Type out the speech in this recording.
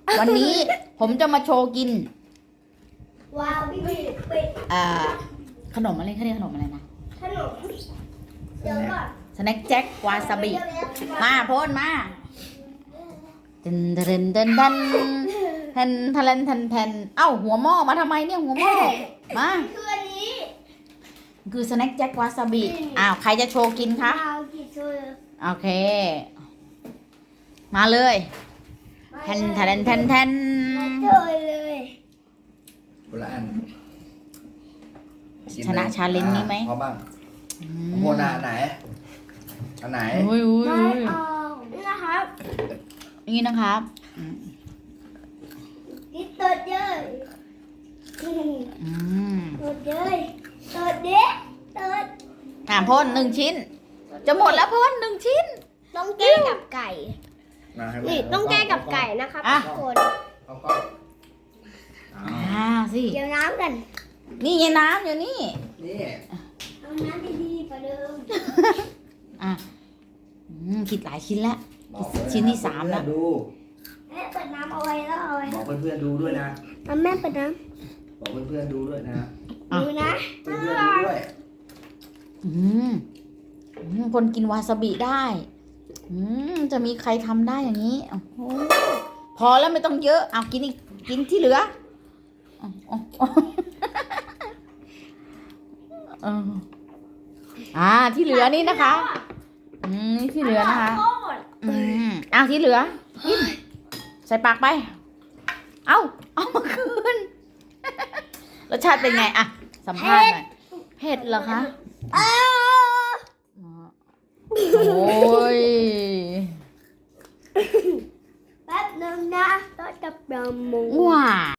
วันนี้ผมจะมาโชว์กินว้าวพี่ปิดขนมอะไรเขาเรียกขนมอะไรนะขนมเดี๋ยวก่อนสแน็คแจ็ควาซาบิมาโพนมาเดินเดินเดินเดินแทนทะเลนแทนแทนเอ้าหัวหม้อมาทำไมเนี่ยหัวหม้อมาคืออันนี้คือสแน็คแจ็ควาซาบิอ้าวใครจะโชว์กินคะเอากี่ถ้วยโอเค มาเลยแทนทะเลนแทนแทนถ้วยเลยคนละอันชนะชาเลนจ์นี้ไหมพอบ้างโมนาอันไหนอันไหนอุ้ยอุ้ยไม่อุ้ยเอานี่นะครับนี่นะครับกินตัวเยอะอืมตัวเยอะตัวเด็กตัวพ่น1 ชิ้น จะหมดแล้วพ่น1 ชิ้นต้องแก้กับไก่มาให้นี่ต้องแก้กับไก่นะครับอ่ะทุกคนเอาก็เอาสิเดี๋ยวน้ำกันนี่ไงน้ำอยู่นี่นี่เอาน้ำดีๆกว่าเดิมอ่ะคิดหลายชิ้นแล้วบอกไว้ชิ้นที่ 3แล้วดูแม่เปิดน้ำเอาไว้แล้วเอาไว้บอกเพื่อนๆดูด้วยนะเอาแม่เปิดน้บอกเพื่อนๆดูด้วยนะำดูนะเพื่อนๆดูด้วยคนกินวาซาบิได้ จะมีใครทำได้อย่างนี้โอ้โหพอแล้วไม่ต้องเยอะเอากินอีกกินที่เหลือที่เหลือนี่นะคะนี่ที่เหลือนะคะโทษเอาที่เหลือกินใส่ปากไป เอามาคืน รสชาติเป็นไงอะสัมภาษณ์หน่อยเผ็ดเหรอคะอ้าวโอ้ยแป๊บนึงนะต้องจับยาหมูว้า